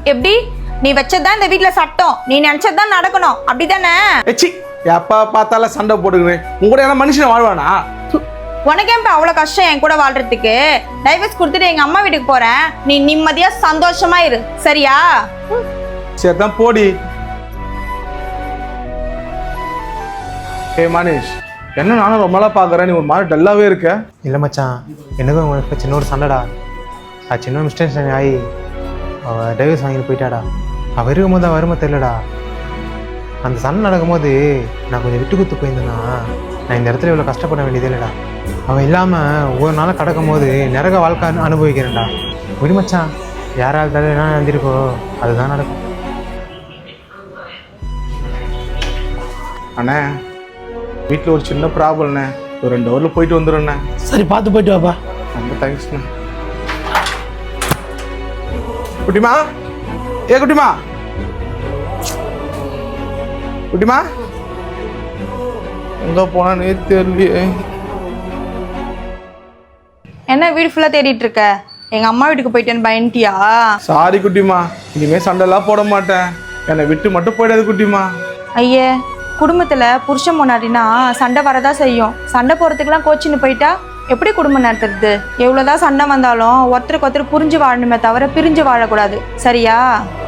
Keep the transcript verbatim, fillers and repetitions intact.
எப்படி? நீ வச்சதான் இந்த வீட்ல சட்டம், நீ நினைச்சதான் நடக்கணும், அப்படிதானே? ஏச்சி எப்ப பார்த்தாலும் சண்டை போட்டுக்கிறேன். உங்க கூட யாரும் மனுஷன் வாழ்வானா? உனக்கே இப்ப அவ்வளவு கஷ்டம் என் கூட வாழ்றதுக்கு? டைவர்ஸ் கொடுத்துட்டு எங்க அம்மா வீட்டுக்கு போறேன், நீ நிம்மதியா சந்தோஷமா இரு, சரியா? சரிதான் போடி. ஏ மனிஷ், என்ன நானும் ரொம்ப நாளா பாக்குறேன், நீ ஒரு மாதிரி டல்லாவே இருக்க. இல்லை மச்சான், எனக்கும் உங்களுக்கு சின்ன ஒரு சண்டைடா. அது சின்ன மிஸ்டேக் ஆகி அவள் டைவர்ஸ் வாங்கிட்டு போயிட்டாடா. அவள் இருக்கும்போது அவள் வருமா தெரியலடா. அந்த சண்டை நடக்கும்போது நான் கொஞ்சம் விட்டு குத்து போயிருந்தேன்னா நான் இந்த இடத்துல இவ்வளோ கஷ்டப்பட வேண்டியதே இல்லைடா. அவள் இல்லாமல் ஒவ்வொரு நாளும் கடக்கும் போது நிறக வாழ்க்கை அனுபவிக்கிறேன்டா. விடு மச்சான், யாரால் தலை என்ன நடந்திருக்கோ அதுதான் நடக்கும். அண்ணே, வீட்டில் ஒரு சின்ன ப்ராப்ளம்ண்ணே, ஒரு ரெண்டு ஹவரில் போயிட்டு வந்துடும்ண்ணே. சரி, பார்த்து போயிட்டு வாப்பா. ரொம்ப தேங்க்ஸ்ண்ணே. குட்டிமா, ஏ குட்டிமா, குட்டிமா எங்க போனானே தெரியலையே. என்ன வீடு ஃபுல்லா தேடிட்டு இருக்க? எங்க அம்மா வீட்டுக்கு போயிட்டேன்னு பயன்ட்டியா? சாரி குட்டிமா, இனிமே சண்டைலாம் போட மாட்டேன், என்னை விட்டு மட்டும் போயிடாது குட்டிமா. ஐயே, குடும்பத்துல புருஷன் முன்னாடினா சண்டை வரதா செய்யும். சண்டை போறதுக்கெல்லாம் கோச்சின்னு போயிட்டா எப்படி குடும்பம் நடத்துறது? எவ்வளவுதான் சண்டை வந்தாலும் ஒருத்தருக்கு ஒருத்தர் புரிஞ்சு வாழணுமே தவிர பிரிஞ்சு வாழக்கூடாது, சரியா?